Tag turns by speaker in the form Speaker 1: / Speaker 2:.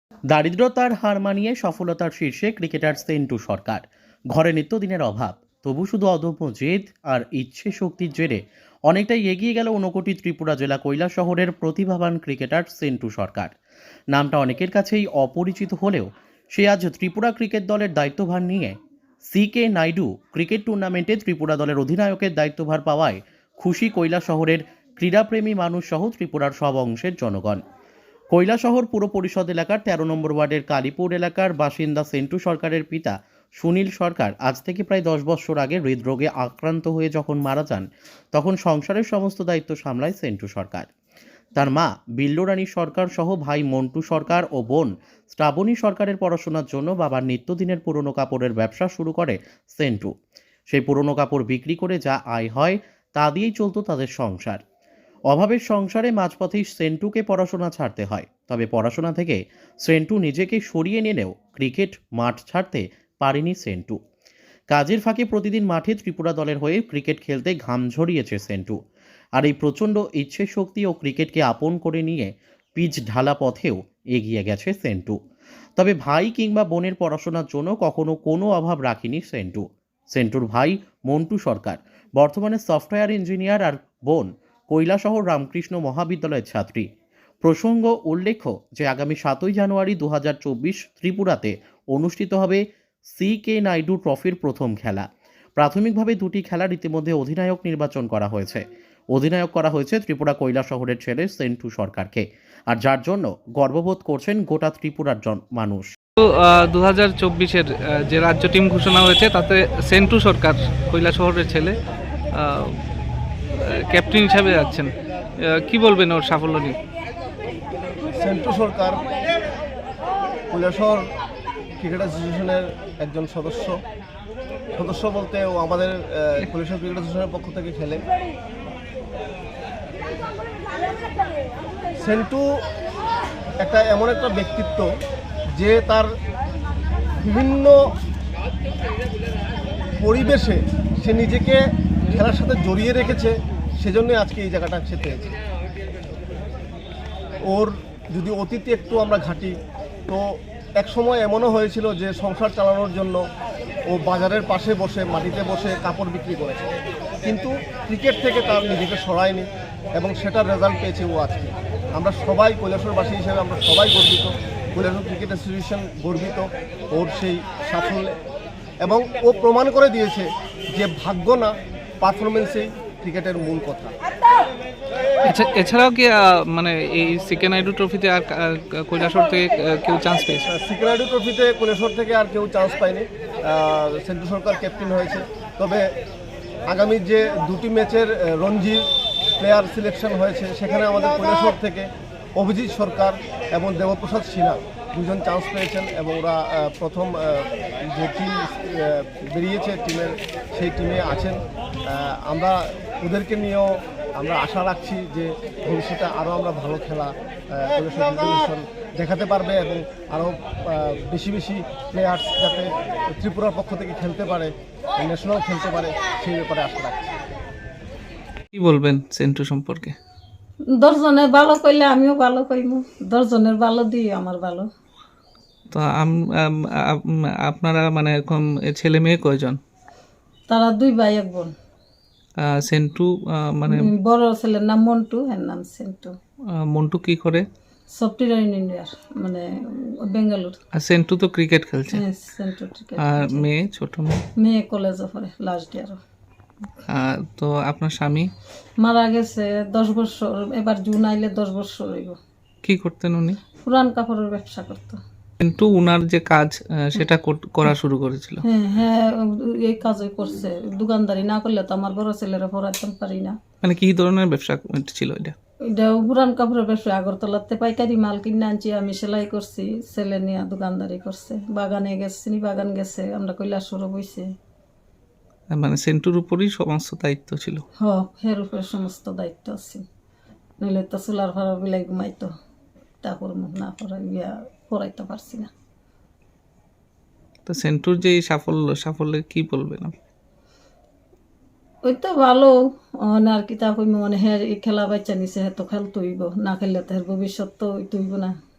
Speaker 1: দারিদ্রতার হার মানিয়ে সফলতার শীর্ষে ক্রিকেটার সেন্টু সরকার। ঘরে নিত্যদিনের অভাব, তবু শুধু অদম্য জেদ আর ইচ্ছে শক্তির জেরে অনেকটাই এগিয়ে গেল ঊনকোটি ত্রিপুরা জেলা কৈলাসহরের প্রতিভাবান ক্রিকেটার সেন্টু সরকার। নামটা অনেকের কাছেই অপরিচিত হলেও সে আজ ত্রিপুরা ক্রিকেট দলের দায়িত্বভার নিয়ে CK নাইডু ক্রিকেট টুর্নামেন্টে ত্রিপুরা দলের অধিনায়কের দায়িত্বভার পাওয়ায় খুশি কৈলাসহরের ক্রীড়াপ্রেমী মানুষ সহ ত্রিপুরার সব অংশের জনগণ। কৈলাসহর পুর পরিষদ এলাকার ১৩ নম্বর ওয়ার্ডের কালীপুর এলাকার বাসিন্দা সেন্টু সরকারের পিতা সুনীল সরকার আজ থেকে প্রায় ১০ বছর আগে হৃদরোগে আক্রান্ত হয়ে যখন মারা যান, তখন সংসারের সমস্ত দায়িত্ব সামলায় সেন্টু সরকার। তার মা বিল্লুরানী সরকার সহ ভাই মন্টু সরকার ও বোন শ্রাবণী সরকারের পড়াশোনার জন্য বাবার নিত্যদিনের পুরনো কাপড়ের ব্যবসা শুরু করে সেন্টু। সেই পুরনো কাপড় বিক্রি করে যা আয় হয় তা দিয়েই চলত তাদের সংসার। অভাবের সংসারে মাঝপথেই সেন্টুকে পড়াশোনা ছাড়তে হয়, তবে পড়াশোনা থেকে সেন্টু নিজেকে সরিয়ে নিলেও ক্রিকেট মাঠ ছাড়তে পারেনি সেন্টু। কাজের ফাঁকে প্রতিদিন মাঠে ত্রিপুরা দলের হয়ে ক্রিকেট খেলতে ঘাম ঝরিয়েছে সেন্টু। আর এই প্রচণ্ড ইচ্ছে শক্তি ও ক্রিকেটকে আপন করে নিয়ে পিচ ঢালা পথেও এগিয়ে গেছে সেন্টু। তবে ভাই কিংবা বোনের পড়াশোনার জন্য কখনো কোনো অভাব রাখেনি সেন্টু। সেন্টুর ভাই মন্টু সরকার বর্তমানে সফটওয়্যার ইঞ্জিনিয়ার, আর বোন কৈলাসহর রামকৃষ্ণ মহাবিদ্যালয়ের ছাত্রী। প্রসঙ্গ উল্লেখ্য যে আগামী ৭ই জানুয়ারি ২০২৪ ত্রিপুরাতে অনুষ্ঠিত হবে CK নাইডু ট্রফির প্রথম খেলা। প্রাথমিকভাবে দুটি খেলার ইতিমধ্যে অধিনায়ক নির্বাচন করা হয়েছে। অধিনায়ক করা হয়েছে ত্রিপুরা কৈলাসহরের ছেলে সেন্টু সরকারকে, আর যার জন্য গর্ববোধ করছেন গোটা ত্রিপুরার মানুষ।
Speaker 2: 2024-এর যে রাজ্য টিম ঘোষণা হয়েছে তাতে সেন্টু সরকার কৈলাসহরের ছেলে ক্যাপ্টেন হিসাবে যাচ্ছেন। কি বলবেন ওর সাফল্য নিয়ে?
Speaker 3: সেন্টু সরকার কৈলাসহর ক্রিকেট অ্যাসোসিয়েশনের একজন সদস্য বলতে ও আমাদের কৈলাসহর ক্রিকেট অ্যাসোসিয়েশনের পক্ষ থেকে খেলে। সেন্টু এমন একটা ব্যক্তিত্ব যে তার বিভিন্ন পরিবেশে সে নিজেকে খেলার সাথে জড়িয়ে রেখেছে, সেজন্যই আজকে এই জায়গাটা সে পেয়েছে। ওর যদি অতীতে একটু আমরা ঘাঁটি তো এক সময় এমনও হয়েছিল যে সংসার চালানোর জন্য ও বাজারের পাশে বসে মাটিতে বসে কাপড় বিক্রি করেছে, কিন্তু ক্রিকেট থেকে তার নিজেকে সরায়নি এবং সেটার রেজাল্ট পেয়েছে ও আজকে। আমরা সবাই কৈলাসহরবাসী হিসেবে আমরা সবাই গর্বিত, কৈলাসহর ক্রিকেট অ্যাসোসিয়েশন গর্বিত ওর সেই সাফল্যে, এবং ও প্রমাণ করে দিয়েছে যে ভাগ্য না, পারফরমেন্সেই ক্রিকেটের মূল কথা।
Speaker 2: এছাড়াও কি মানে এই CK নাইডু ট্রফিতে আর কৈলাসহর থেকে কেউ চান্স পেয়েছে?
Speaker 3: CK নাইডু ট্রফিতে কৈলাসহর থেকে আর কেউ চান্স পায়নি। সেন্টু সরকার ক্যাপ্টেন হয়েছে, তবে আগামী যে দুটি ম্যাচের রঞ্জি প্লেয়ার সিলেকশন হয়েছে সেখানে আমাদের কৈলাসহর থেকে অভিজিৎ সরকার এবং দেবপ্রসাদ সিনহা দুজন চান্স পেয়েছেন, এবং ওরা প্রথম যে টিম বেরিয়েছে টিমের সেই টিমে আছেন। আমরা ওদেরকে নিয়েও আমরা আশা রাখছি যে ভবিষ্যতে আরও আমরা ভালো খেলা কৈলাসহর দেখাতে পারবে এবং আরও বেশি প্লেয়ার্স যাতে ত্রিপুরার পক্ষ থেকে খেলতে পারে, ন্যাশনাল খেলতে পারে, সেই ব্যাপারে আশা রাখছি।
Speaker 2: কি বলবেন সেন্টু সম্পর্কে?
Speaker 4: 10 জনের ভালো কইলে আমিও ভালো কইমু, 10 জনের ভালো দিই আমার ভালো।
Speaker 2: তো আপনারা মানে এরকম ছেলে মেয়ে কয়জন?
Speaker 4: তারা 2 ভাই 1 বোন।
Speaker 2: সেন্টু মানে
Speaker 4: বড় ছেলের নাম মন্টু, এর নাম সেন্টু।
Speaker 2: মন্টু কি করে?
Speaker 4: সফটওয়্যার ইঞ্জিনিয়ার, মানে বেঙ্গালুরু।
Speaker 2: আর সেন্টু তো ক্রিকেট খেলছে।
Speaker 4: হ্যাঁ, সেন্টু ক্রিকেট।
Speaker 2: আর মেয়ে, ছোট
Speaker 4: মেয়ে কলেজে পড়ে, লাস্ট ইয়ার।
Speaker 2: তো আপনার স্বামী
Speaker 4: মারা গেছে 10 বছর, এবার জুন আইলে 10 বছর হইব।
Speaker 2: কি করতেন উনি?
Speaker 4: পুরান কাপড়ের ব্যবসা করতো।
Speaker 2: কিন্তু উনার যে কাজ সেটা করা শুরু করেছিল।
Speaker 4: হ্যাঁ, এই কাজই করছে। দোকানদারি না করলে তো আমার বড় ছেলেরা পড়াইতে পারি না।
Speaker 2: মানে কি ধরনের ব্যবসা ছিল এটা?
Speaker 4: এটা পুরান কাপড়ের ব্যবসা। আগরতলাতে পাইকারি মাল কিনে আনছি, আমি সেলাই করছি, ছেলে নিয়ে দোকানদারি করছে। বাগানে গেছে, বাগান গেছে, আমরা কৈলাসহর বইছে।
Speaker 2: মানে সেন্টুর উপরই সমস্ত দায়িত্ব ছিল।
Speaker 4: এর উপরে সমস্ত দায়িত্ব আছে, নইলে তো চুলার ভাড়া বিলাই ঘুমাইতো। তারপর মুখ না পড়াইতে পারছি না।
Speaker 2: তো সেন্টুর যে সাফল্যে কি বলবেন?
Speaker 4: ওই তো ভালো। আর কি তা কইম, মানে হ্যাঁ খেলা বাচ্চা নিছে, হ্যাঁ তো খেলতে হইব, না খেললে তো ভবিষ্যৎ তো হইতে হইব না।